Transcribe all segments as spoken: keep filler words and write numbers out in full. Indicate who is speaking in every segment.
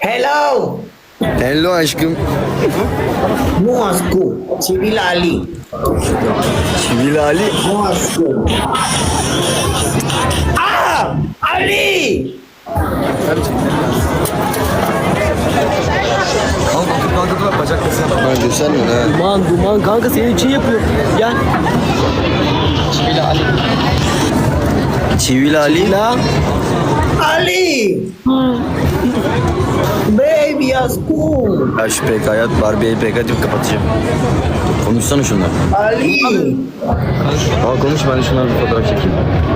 Speaker 1: Hello.
Speaker 2: Hello aşkım.
Speaker 1: Moscow. Civil Ali.
Speaker 2: Çivil Ali.
Speaker 1: Moscow. Ah! Ali!
Speaker 2: Kanka dur kanka dur bacak kesene bak. Ben göstermiyorum ha.
Speaker 3: Duman duman kanka senin için yapıyor. Gel.
Speaker 2: Çivil Ali. Çivil Ali.
Speaker 3: La.
Speaker 1: Ali! Baby, aşkım.
Speaker 2: Ya şu P K'ya at Barbie'yi P K deyip kapatacağım. Konuşsana şunlar.
Speaker 1: Ali!
Speaker 2: Aa konuş ben de şunlarla bir fotoğraf çekeyim.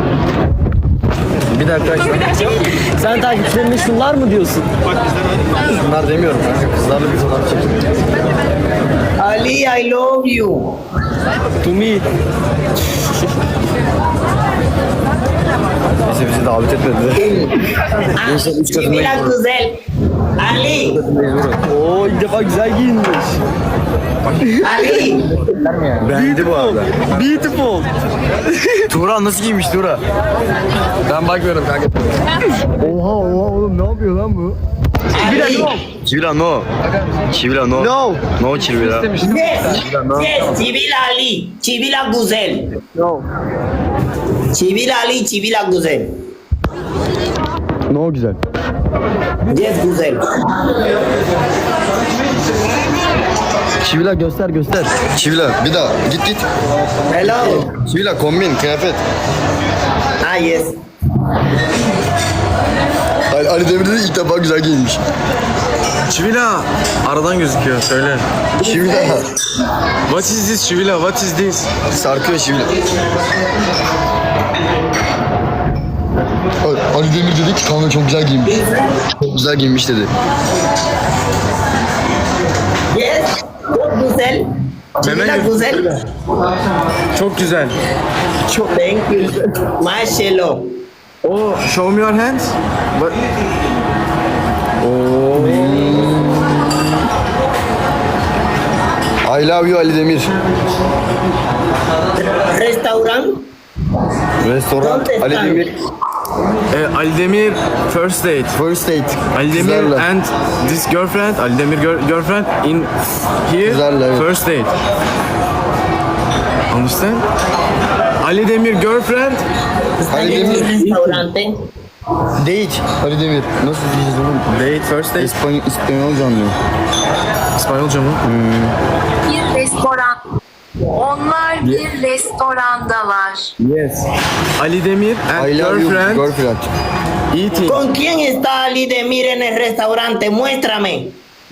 Speaker 2: Bir dakika arkadaşlar.
Speaker 3: Sen takipçilerine şunlar mı diyorsun?
Speaker 2: Şunlar demiyorum kanka kızlarla bir fotoğraf çekeyim.
Speaker 1: Ali, I love you.
Speaker 3: To me.
Speaker 2: Neyse bizi davet etmediler.
Speaker 1: Ah,
Speaker 2: Neyse üç katına
Speaker 1: Civil
Speaker 2: gidiyoruz.
Speaker 1: güzel. Ali!
Speaker 3: Oo ilk defa güzel giyinmiş.
Speaker 1: Ali!
Speaker 2: Beğendi bu arada.
Speaker 3: Beautiful.
Speaker 2: Tuğra nasıl giymiş Tuğra? Ben bakmıyorum kanka. Oha oha oğlum ne yapıyor lan bu?
Speaker 1: Ali!
Speaker 2: Çivila no. Çivila no.
Speaker 3: No.
Speaker 2: No Çivila.
Speaker 1: Yes! Yes, Civil Ali. Civil güzel.
Speaker 3: No.
Speaker 1: Civil Ali, Civil güzel.
Speaker 2: No güzel.
Speaker 1: Yes, güzel.
Speaker 2: Çivila göster göster. Çivila bir daha git git.
Speaker 1: Hello.
Speaker 2: Çivila kombin kıyafet.
Speaker 1: Ah, yes.
Speaker 2: Ali, Ali Demir de ilk defa güzel giyinmiş.
Speaker 4: Çivila aradan gözüküyor söyle.
Speaker 2: Çivila.
Speaker 4: What is this Çivila? What is this?
Speaker 2: Sarkıyor Çivila. Ali Demir dedi ki kanka çok güzel giyinmiş. Çok güzel giyinmiş dedi.
Speaker 1: Yes, çok güzel. Civil
Speaker 4: Mehmet-
Speaker 1: güzel.
Speaker 4: Çok güzel.
Speaker 1: Çok thank you. Maşallah.
Speaker 4: Oh, show me your hands. But oh,
Speaker 2: I love you Ali Demir.
Speaker 1: Restaurant.
Speaker 2: Restoran
Speaker 1: ¿Dónde
Speaker 2: Ali
Speaker 1: están?
Speaker 2: Demir.
Speaker 4: eh, Ali Demir first date.
Speaker 2: First date.
Speaker 4: Ali Demir
Speaker 2: Kızlarla.
Speaker 4: and this girlfriend. Ali Demir gir- girlfriend in here.
Speaker 2: Kızlarla, evet.
Speaker 4: First date. Understand? Ali Demir girlfriend.
Speaker 2: Ali
Speaker 1: En el
Speaker 2: Demir.
Speaker 1: restaurante.
Speaker 2: Date. Ali Demir. Nasıl diyeceğiz oğlum?
Speaker 4: Date first date.
Speaker 2: İspanyol, İspanyolca anlıyor.
Speaker 4: İspanyolca mı?
Speaker 5: Bir restoran. Onlar bir restorandalar.
Speaker 4: Yes. Ali Demir and
Speaker 2: I love you
Speaker 4: girlfriend
Speaker 2: girlfriend.
Speaker 4: eating.
Speaker 1: ¿Con quién está Ali Demir en el restaurante? Muéstrame.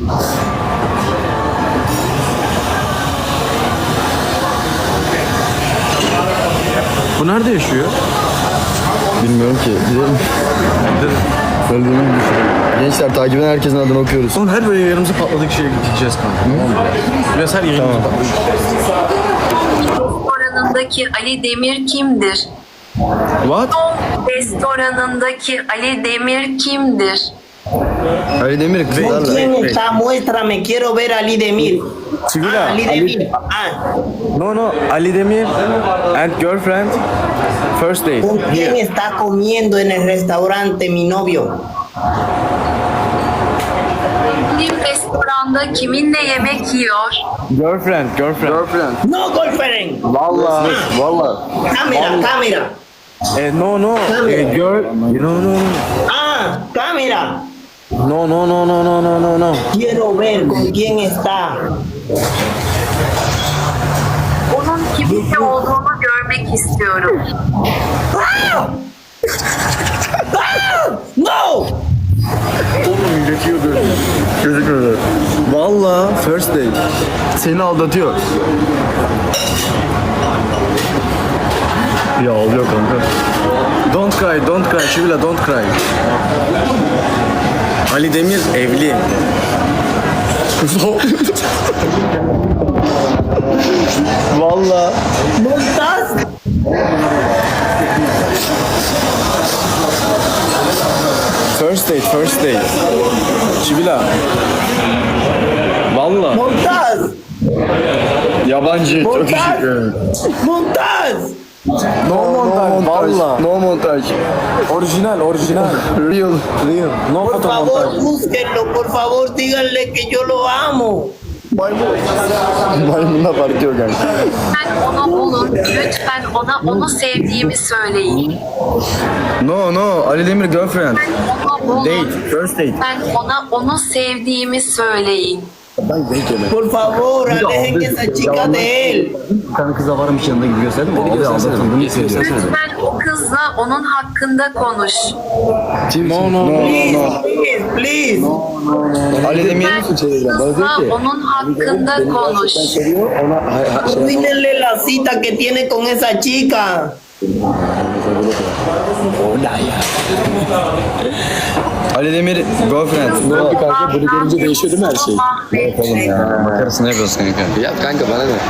Speaker 4: Bu nerede yaşıyor?
Speaker 2: Bilmiyorum ki. Gidelim. Söylediğimi düşünüyorum. Gençler takip eden herkesin adını okuyoruz.
Speaker 4: Oğlum her böyle yarımıza patladık şeye gideceğiz kanka. Tamam mı? Biraz her yerimize
Speaker 2: Tamam.
Speaker 4: patladık.
Speaker 5: Restoranındaki Ali Demir kimdir?
Speaker 4: What?
Speaker 5: Restoranındaki Ali Demir kimdir?
Speaker 2: Ali Demir
Speaker 1: ¿Con
Speaker 2: kızlarla.
Speaker 1: quién está? Muéstrame. Quiero ver a Ali Demir.
Speaker 4: Çivila.
Speaker 1: Ah, Ali Demir. Ah,
Speaker 4: No no. Ali Demir and girlfriend first date.
Speaker 1: ¿con quién está comiendo en el restaurante mi novio?
Speaker 5: Bir restoranda kiminle yemek yiyor?
Speaker 4: Girlfriend, girlfriend.
Speaker 2: Girlfriend.
Speaker 1: No, girlfriend.
Speaker 2: Valla. Valla.
Speaker 1: Cámara, cámara.
Speaker 4: Eh, no no. Eh, girl. No no no.
Speaker 1: Ah, cámara.
Speaker 4: No no no no no no no no.
Speaker 1: Quiero ver con quién está.
Speaker 5: Onun kiminle olduğunu görmek istiyorum.
Speaker 1: Ah! Ah! No!
Speaker 2: Oğlum gözüküyor böyle. Gözükmüyor.
Speaker 4: Valla first date.
Speaker 2: Seni aldatıyor. Ya oluyor kanka.
Speaker 4: Don't cry, don't cry. Çivila don't cry. Ali Demir evli.
Speaker 2: Valla.
Speaker 1: ¿Montas?
Speaker 4: First date, first date. Çivila. Valla.
Speaker 1: ¿Montas?
Speaker 2: Yabancı. Çok
Speaker 1: Montas?
Speaker 2: teşekkür ederim.
Speaker 1: ¿Montas?
Speaker 4: No montaj. Valla. No montaj. Orijinal, orijinal. Real, real. No
Speaker 1: Por
Speaker 4: fotomontaj.
Speaker 1: favor, búsquenlo, por favor, díganle que yo lo amo.
Speaker 4: Maymunla partiyor kanka.
Speaker 5: Lütfen onu bulun. Lütfen ona onu sevdiğimi söyleyin.
Speaker 4: No, no. Ali Demir girlfriend.
Speaker 5: Onu bulun.
Speaker 4: Date, first date.
Speaker 5: Lütfen ona onu sevdiğimi söyleyin.
Speaker 1: Por favor, alejen esa chica de él.
Speaker 2: Bir tane kıza varmış yanında gibi gösterdim. Abi aldatıldığını hissediyor.
Speaker 5: Lütfen o kızla onun hakkında konuş.
Speaker 4: No, no, no,
Speaker 1: Please,
Speaker 4: no.
Speaker 1: please, please.
Speaker 4: Ali Demir
Speaker 5: Lütfen kızla onun hakkında konuş.
Speaker 1: Arruínenle la cita que tiene con esa chica.
Speaker 4: Ali Demir girlfriend. No.
Speaker 5: Kanka bunu görünce değişiyor değil mi her şey?
Speaker 2: Makarasını yapıyorsun kanka.
Speaker 4: Yap kanka bana ne?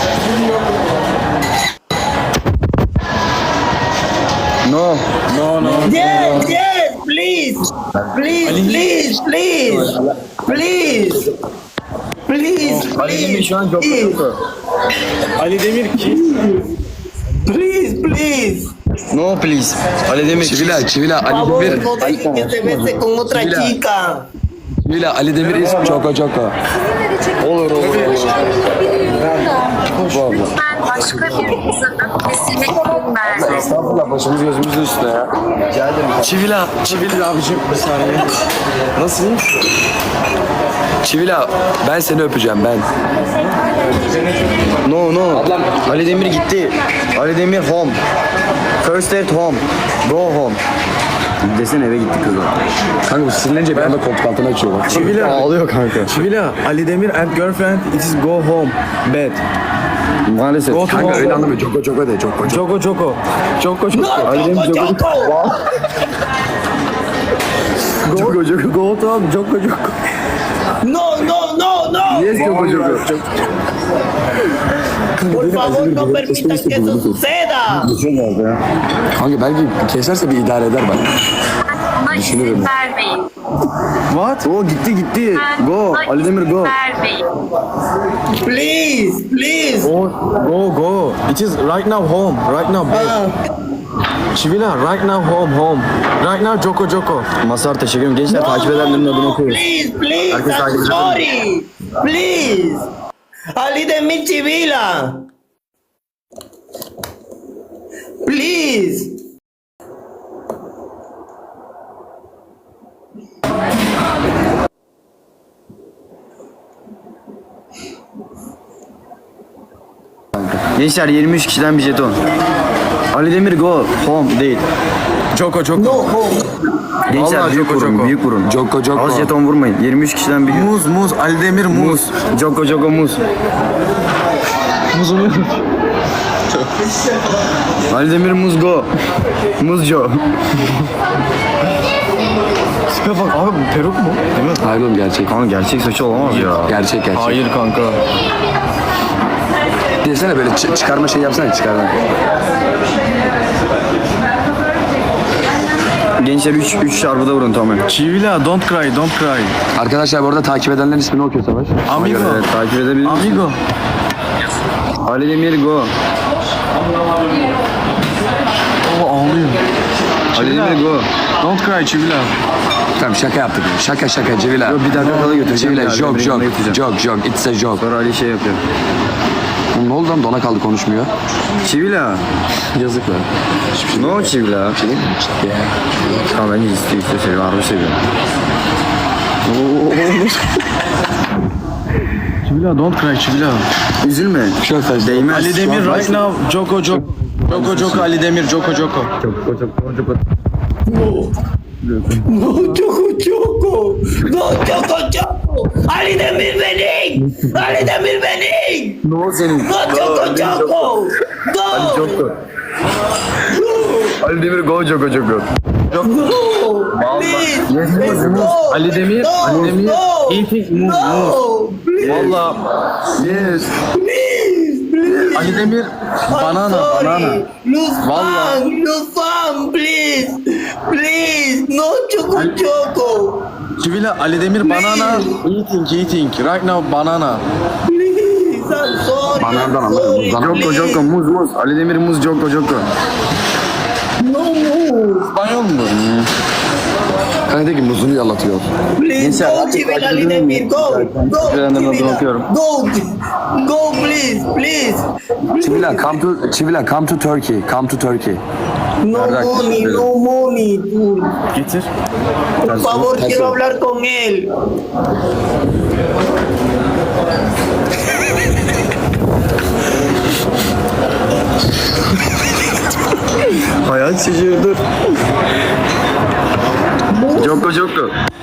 Speaker 4: No. No, no.
Speaker 1: Yes, yes, please. Please, please, please. Please. Please,
Speaker 4: Ali Demir
Speaker 1: please.
Speaker 4: şu an çok
Speaker 1: please.
Speaker 4: Ali Demir ki?
Speaker 1: Please, please.
Speaker 4: No please. Ali Demir.
Speaker 2: Çivila, Çivila,
Speaker 1: Por
Speaker 2: Ali
Speaker 1: favor,
Speaker 2: Demir.
Speaker 1: no dejen que se bese con otra
Speaker 2: Mira.
Speaker 1: chica.
Speaker 2: Çivila, Ali Demir is Çoko Çoko.
Speaker 4: Olur olur.
Speaker 5: Lütfen başka bir kızın öpmesine izin verme.
Speaker 4: Estağfurullah başımız gözümüzün üstüne ya. Rica ederim.
Speaker 2: Çivila, Çivila abicim bir saniye.
Speaker 4: Nasılsın?
Speaker 2: Çivila, ben seni öpeceğim ben.
Speaker 4: No no. Ali Demir gitti. Ali Demir home. First date home. Go home. Desene eve gitti kızlar.
Speaker 2: Kanka bu sinirlenince bir anda koltuk altına açıyor bak.
Speaker 4: Çivila. Ağlıyor kanka. Çivila. Ali Demir and girlfriend. It is go home. Bed. Maalesef. Go to
Speaker 2: Kanka
Speaker 4: home.
Speaker 2: öyle anlamıyor. Çoko Çoko de, Çoko Çoko.
Speaker 4: Joko Joko. Joko Joko.
Speaker 1: No,
Speaker 4: Ali Demir
Speaker 1: Choco,
Speaker 4: Joko.
Speaker 1: Choco.
Speaker 4: Joko Joko. Go to home. Joko Joko.
Speaker 1: No, no, no, no.
Speaker 4: Yes Joko Joko.
Speaker 1: Por favor, no permitan que eso suceda.
Speaker 2: Kanka belki keserse bir idare eder bak.
Speaker 5: Ona izin vermeyin.
Speaker 4: What? O gitti gitti. Go.
Speaker 5: Ona
Speaker 4: Ali Demir
Speaker 5: izin
Speaker 4: go.
Speaker 5: vermeyin.
Speaker 1: Please, please.
Speaker 4: Go, go, go. It is right now home. Right now bed.
Speaker 1: Ah,
Speaker 4: Çivila, right now home, home. Right now Joko Joko. Masar teşekkür ederim. Gençler
Speaker 1: no,
Speaker 4: takip edenlerin adına
Speaker 1: no,
Speaker 4: koyuyoruz.
Speaker 1: please, please.
Speaker 4: Herkes takip
Speaker 1: I'm
Speaker 4: edelim.
Speaker 1: sorry. Please. Ali de mi Chivila. Please.
Speaker 4: Gençler yirmi üç kişiden bir jeton. Ali Demir go home değil. Joko Joko.
Speaker 1: No home.
Speaker 4: Gençler
Speaker 2: Vallahi
Speaker 4: büyük
Speaker 2: Joko
Speaker 4: vurun,
Speaker 2: Joko.
Speaker 4: büyük vurun.
Speaker 2: Joko Joko.
Speaker 4: Az jeton vurmayın. yirmi üç kişiden bir.
Speaker 2: Muz muz, Ali Demir muz.
Speaker 4: Muz. Joko Joko muz. Muzunu. Ali Demir muz go. Muz Jo. Tipe bak abi bu peruk mu? Değil mi?
Speaker 2: Hayır oğlum gerçek.
Speaker 4: Kanka gerçek saçı olamaz ya.
Speaker 2: Gerçek gerçek.
Speaker 4: Hayır kanka.
Speaker 2: Desene böyle çı- çıkarma şey yapsana çıkarma.
Speaker 4: Gençler üç üç çarpıda vurun tamam.
Speaker 3: Çivila, don't cry, don't cry.
Speaker 2: Arkadaşlar bu arada takip edenlerin ismini okuyor Savaş.
Speaker 3: Amigo.
Speaker 4: Evet takip edebilir misiniz?
Speaker 3: Amigo.
Speaker 4: Ali Demir go.
Speaker 3: O ağlıyor.
Speaker 4: Ali
Speaker 3: Çivila.
Speaker 4: Demir go.
Speaker 3: Don't cry Çivila.
Speaker 2: Tamam şaka yaptık. Şaka şaka Civila.
Speaker 4: Yo, bir dakika kala götüreceğim.
Speaker 2: Civila
Speaker 4: Ali
Speaker 2: joke
Speaker 4: Demir'in
Speaker 2: joke.
Speaker 4: yanına götüreceğim.
Speaker 2: Joke joke. It's a joke.
Speaker 4: Sonra Ali şey yapıyor.
Speaker 2: Oğlum ne oldu lan dona kaldı konuşmuyor.
Speaker 4: Çivila.
Speaker 2: Yazık lan.
Speaker 4: Ne o Çivila?
Speaker 2: Şey değil mi?
Speaker 4: Tamam bence istiyor istiyor seviyor. Harbi seviyor.
Speaker 3: Çivila, don't cry Çivila.
Speaker 4: Üzülme.
Speaker 2: Çok fazla.
Speaker 4: Değmez.
Speaker 3: Ali Demir right now, Joko Joko. Joko Joko, Ali Demir, Joko Joko.
Speaker 1: No, Choco, Choco. No, Choco, Choco. Ali Demir benim. Ali Demir benim.
Speaker 4: Ne o senin?
Speaker 1: No, Choco, Choco. No.
Speaker 4: Joko. Ali Demir go Joko Joko.
Speaker 1: Please.
Speaker 4: Yes, muz,
Speaker 1: Let's
Speaker 4: muz.
Speaker 1: go.
Speaker 3: Ali Demir,
Speaker 1: No,
Speaker 3: Ali Demir.
Speaker 1: no.
Speaker 3: Eating muz, muz.
Speaker 1: No. Please.
Speaker 3: Valla
Speaker 4: Yes.
Speaker 1: Please. Please.
Speaker 3: Ali Demir,
Speaker 1: I'm
Speaker 3: banana,
Speaker 1: sorry.
Speaker 3: banana.
Speaker 1: Lose
Speaker 3: Vallahi.
Speaker 1: fan, lose fan, please. Please. No, Choco, Choco.
Speaker 3: Çivila, Ali Demir, banana. Eating, eating. Right now, banana.
Speaker 1: Please. I'm sorry.
Speaker 2: Bana
Speaker 1: I'm sorry.
Speaker 2: Joko
Speaker 4: Joko
Speaker 1: please.
Speaker 4: Joko muz muz. Ali Demir muz Joko Joko.
Speaker 1: No move.
Speaker 2: İspanyol mu? Kanka de ki muzunu yalatıyor.
Speaker 1: Please
Speaker 4: Gençler,
Speaker 1: go
Speaker 4: artık
Speaker 1: Çivil
Speaker 4: takip
Speaker 1: Ali
Speaker 4: edelim mi?
Speaker 1: Demir. Go. Go
Speaker 4: Ben de
Speaker 1: Çivil.
Speaker 4: bakıyorum.
Speaker 1: Go. Go please. Please.
Speaker 2: Çivila come to Çivila come to Turkey. Come to Turkey.
Speaker 1: No
Speaker 4: Verdad,
Speaker 1: money.
Speaker 4: verdad.
Speaker 1: No money. Dude.
Speaker 4: Getir.
Speaker 1: Por favor, quiero hablar con él.
Speaker 4: Hayat şaşırdır. Joko Joko.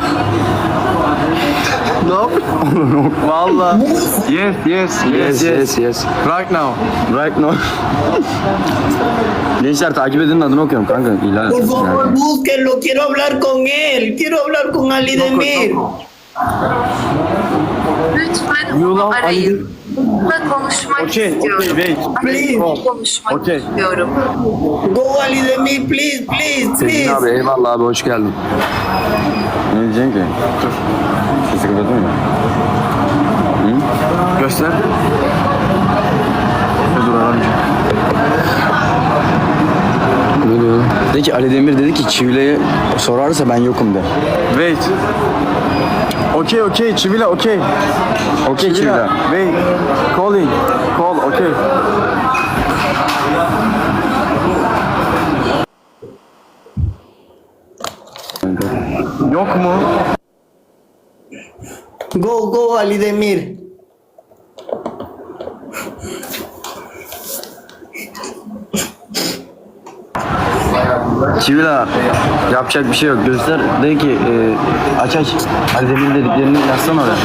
Speaker 2: Ne yapıyorsun?
Speaker 4: Valla. Yes yes
Speaker 2: Yes yes yes.
Speaker 3: Right now.
Speaker 4: Right now. Gençler takip edenin adını okuyorum kanka. İlan
Speaker 1: Por
Speaker 4: etmişsin
Speaker 1: favor,
Speaker 4: yani.
Speaker 1: búsquenlo. Quiero hablar con él. Quiero hablar con Ali Demir.
Speaker 5: Lütfen onu arayın. Onunla konuşmak
Speaker 3: Okay,
Speaker 5: istiyorum.
Speaker 3: wait.
Speaker 5: Onunla konuşmak
Speaker 3: Okay.
Speaker 5: istiyorum.
Speaker 1: Go Ali Demir, please, please,
Speaker 2: Sezgin abi
Speaker 1: please.
Speaker 2: eyvallah abi hoş geldin.
Speaker 4: Ne diyeceksin ki? Sesi kapatın mı?
Speaker 3: Göster. Dur aramayacağım.
Speaker 2: Ne diyor?
Speaker 4: De ki Ali Demir dedi ki Çivile'ye sorarsa ben yokum de.
Speaker 3: Wait. Okay, okay, Çivila, okay.
Speaker 4: Okey Çivile.
Speaker 3: Wait. Calling. Call, okay. Yok mu?
Speaker 1: Go, go Ali Demir.
Speaker 4: Çivila yapacak bir şey yok. Göster. De ki e, aç aç. Ali Demir dediklerini yazsana oraya.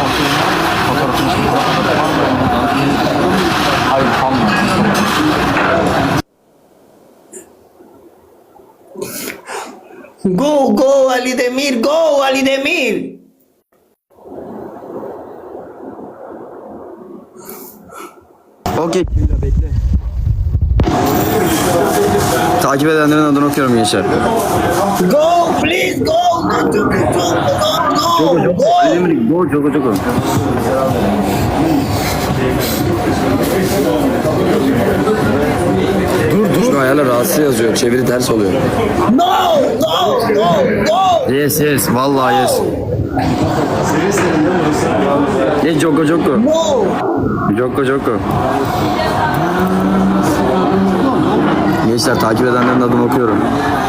Speaker 3: Hayır, tamam.
Speaker 1: Go, go Ali Demir, go Ali Demir.
Speaker 4: Okey Çivila bekle. Takip edenlerin adını okuyorum gençler.
Speaker 1: Go, please, go. Go, go, go, go, go,
Speaker 4: Ali
Speaker 1: go.
Speaker 4: Demir go Joko Joko.
Speaker 2: Şu ayarlar rahatsız yazıyor. Çeviri ters oluyor.
Speaker 1: No, go, go, go.
Speaker 4: Yes yes vallahi yes. Yes Joko Joko.
Speaker 1: No.
Speaker 4: Joko Joko. Gençler takip edenlerin adını okuyorum.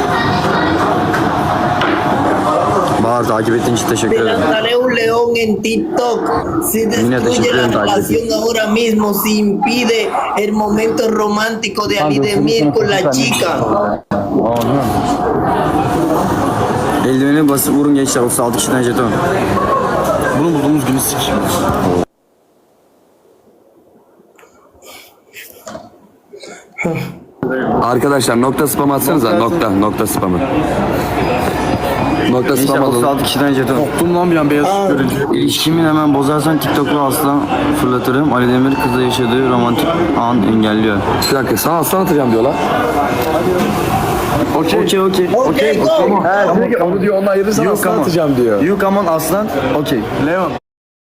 Speaker 4: Bahar takip ettiğin için teşekkür
Speaker 1: Te
Speaker 4: ederim.
Speaker 1: lanzaré un león en TikTok. Se
Speaker 4: Mira, te
Speaker 1: destruye la
Speaker 4: sorprendo,
Speaker 1: relación ahora mismo. Se impide el momento romántico de Ali Demir con la chica.
Speaker 4: Eldiveni basıp vurun gençler otuz altı kişiden jeton.
Speaker 3: Bunu bulduğumuz günü sik.
Speaker 2: Arkadaşlar nokta spam atsanıza. Nokta. Nokta spamı. Nokta
Speaker 4: Gençler
Speaker 2: spam
Speaker 4: otuz
Speaker 2: alalım.
Speaker 4: altı kişiden jeton.
Speaker 3: Korktum lan bir an beyaz ışık görünce.
Speaker 4: İlişkimi hemen bozarsan TikTok'lu aslan fırlatırım. Ali Demir kızla yaşadığı romantik an engelliyor.
Speaker 2: Bir dakika sana aslan atacağım diyorlar.
Speaker 3: Okey.
Speaker 4: Okey okey.
Speaker 1: Okay, go.
Speaker 2: Onu diyor onu ayırırsan
Speaker 4: You
Speaker 2: aslan
Speaker 4: come on.
Speaker 2: atacağım diyor.
Speaker 4: You come on aslan. Okey.
Speaker 3: Leon.